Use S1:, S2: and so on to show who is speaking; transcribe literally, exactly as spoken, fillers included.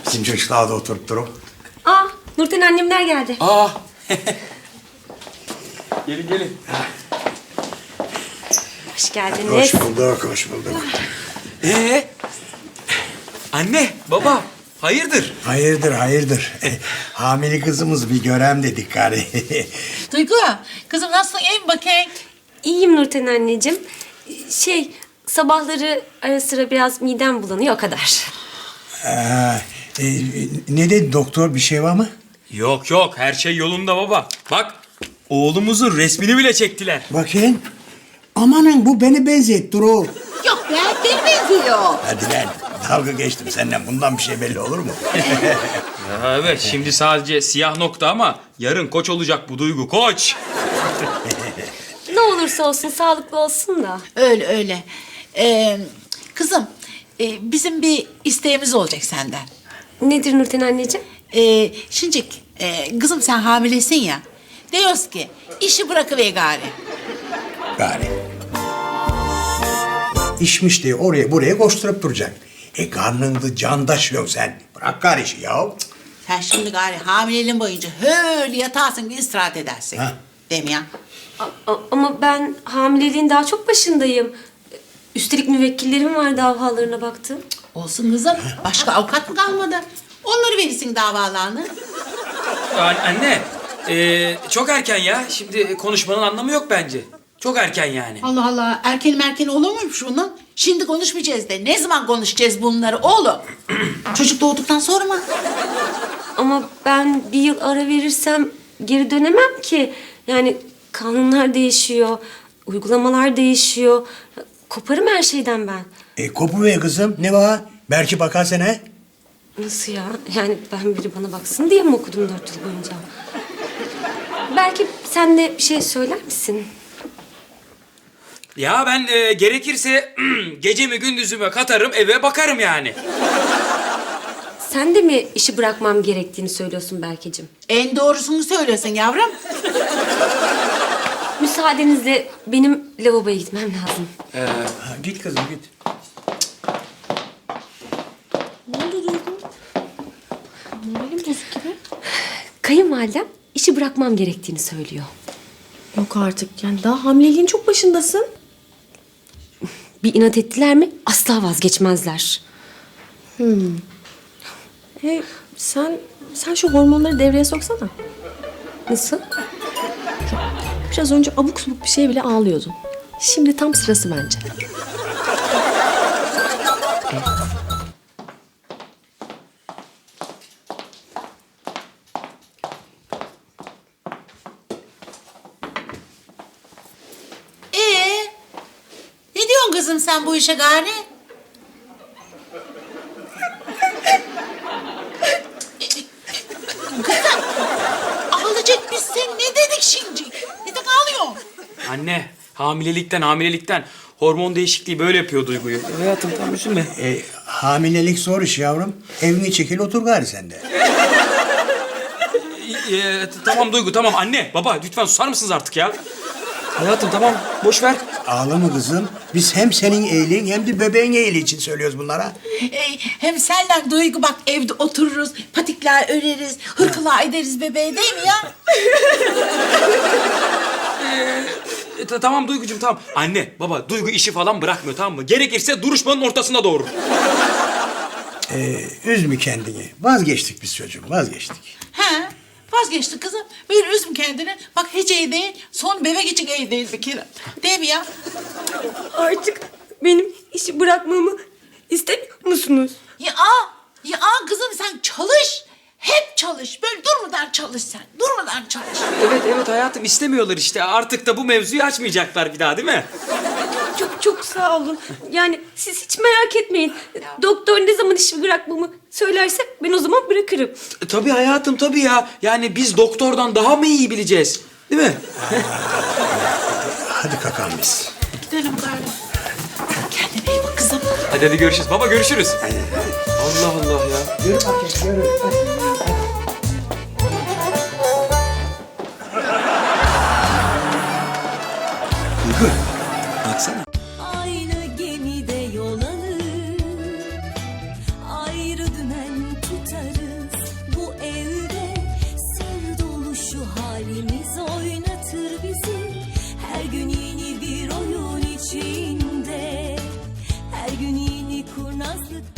S1: Bizim çocuklar da oturup durup.
S2: Aa, Nurten annemler geldi.
S3: Aa. Gelin gelin.
S2: Hoş geldiniz.
S1: Hoş bulduk, hoş bulduk.
S3: Ee? Anne, baba, hayırdır?
S1: Hayırdır, hayırdır. Hamile kızımız bir görem dedik gari.
S4: Duygu, kızım nasılsın? İyi mi bakayım?
S2: İyiyim Nurten anneciğim. Şey, sabahları ara sıra biraz midem bulanıyor, o kadar.
S1: Ee, e, ne dedi doktor, bir şey var mı?
S3: Yok yok, her şey yolunda baba. Bak, oğlumuzun resmini bile çektiler.
S1: Bakayım. Amanın bu beni benzettir o.
S4: Yok be, beni benziyor.
S1: Hadi lan, dalga geçtim senden. Bundan bir şey belli olur mu?
S3: Ya evet, şimdi sadece siyah nokta ama yarın koç olacak bu Duygu, koç.
S2: Ne olursa olsun sağlıklı olsun da.
S4: Öyle öyle. Ee, kızım, e, bizim bir isteğimiz olacak senden.
S2: Nedir Nurten anneciğim?
S4: Ee, Şincik, e, kızım sen hamilesin ya. Diyoruz ki, işi bırakıver gari.
S1: Gari. İşmiş diye oraya buraya koşturup duracak. E karnında can taşıyorsun sen. Bırak gari işi ya.
S4: Sen şimdi gari hamileliğin boyunca öyle yatarsın, bir istirahat edersin.
S1: Ha.
S4: Değil mi ya?
S2: A- a- ama ben hamileliğin daha çok başındayım. Üstelik müvekkillerim var, davalarına baktım.
S4: Olsun kızım, başka avukat mı kalmadı? Onları verirsin davalarını.
S3: An- Anne, ee, çok erken ya. Şimdi konuşmanın anlamı yok bence. Çok erken yani.
S4: Allah Allah, erken merken olur muymuş bunun? Şimdi konuşmayacağız de. Ne zaman konuşacağız bunları oğlum? Çocuk doğduktan sonra mı?
S2: Ama ben bir yıl ara verirsem geri dönemem ki. Yani kanunlar değişiyor, uygulamalar değişiyor. Koparım her şeyden ben.
S1: E kopu ver kızım. Ne var? Belki bakar sana.
S2: Nasıl ya? Yani ben biri bana baksın diye mi okudum dört yıl boyunca? Belki sen de bir şey söyler misin?
S3: Ya ben ee, gerekirse gecemi gündüzüme katarım, eve bakarım yani.
S2: Sen de mi işi bırakmam gerektiğini söylüyorsun Berkeciğim?
S4: En doğrusunu söylüyorsun yavrum.
S2: Müsaadenizle benim lavaboya gitmem lazım.
S1: Ha, git kızım git.
S2: Ne oldu Duygu? Moralim bozuk gibi. Kayınvalidem işi bırakmam gerektiğini söylüyor.
S5: Yok artık. Yani daha hamileliğin çok başındasın.
S2: Bir inat ettiler mi asla vazgeçmezler.
S5: E, sen sen şu hormonları devreye soksana.
S2: Nasıl?
S5: Biraz önce abuk subuk bir şey bile ağlıyordun. Şimdi tam sırası bence.
S4: Ee, ne diyorsun kızım sen bu işe gari? Kızım, ağlayacak biz sen ne dedik şimdi? Neden ağlıyorsun?
S3: Anne, hamilelikten hamilelikten hormon değişikliği böyle yapıyor Duygu'yu. Hayatım tam üzülme.
S1: E, hamilelik zor iş yavrum. Evine çekil otur gari sen de.
S3: Ee, t- tamam Duygu, tamam. Anne, baba lütfen susar mısınız artık ya? Hayatım tamam, boş ver.
S1: Ağlama kızım. Biz hem senin iyiliğin hem de bebeğin iyiliği için söylüyoruz bunlara.
S4: Ee, hem senle Duygu bak evde otururuz, patikler öreriz, hırkalar ederiz bebeğe değil mi ya?
S3: E, t- tamam Duygucuğum, tamam. Anne, baba, Duygu işi falan bırakmıyor, tamam mı? Gerekirse duruşmanın ortasında doğurur.
S1: E, üzme kendini. Vazgeçtik biz çocuğum, vazgeçtik.
S4: He, vazgeçti kızım. Böyle üzüm kendini. Bak hiç iyi değil, son bebek için iyi değil bir kere. Değil mi ya?
S2: Artık benim işi bırakmamı istemiyor musunuz?
S4: Ya, ya kızım sen çalış. Hep çalış. Böyle durmadan çalış sen. Durmadan çalış.
S3: Evet, evet hayatım, istemiyorlar işte. Artık da bu mevzuyu açmayacaklar bir daha, değil mi?
S2: Çok çok sağ olun. Yani siz hiç merak etmeyin. Doktor ne zaman işi bırakmamı söylerse ben o zaman bırakırım.
S3: E, tabii hayatım, tabii ya. Yani biz doktordan daha mı iyi bileceğiz? Değil mi?
S1: Hadi kakalım biz.
S4: Gidelim gari. Kendine iyi bak kızım.
S3: Hadi hadi görüşürüz. Baba görüşürüz. Allah Allah ya.
S1: Yürü bakayım, yürü. Duygu, baksana.
S6: Aynı gemide yol alır, ayrı dümen tutarız. yazlık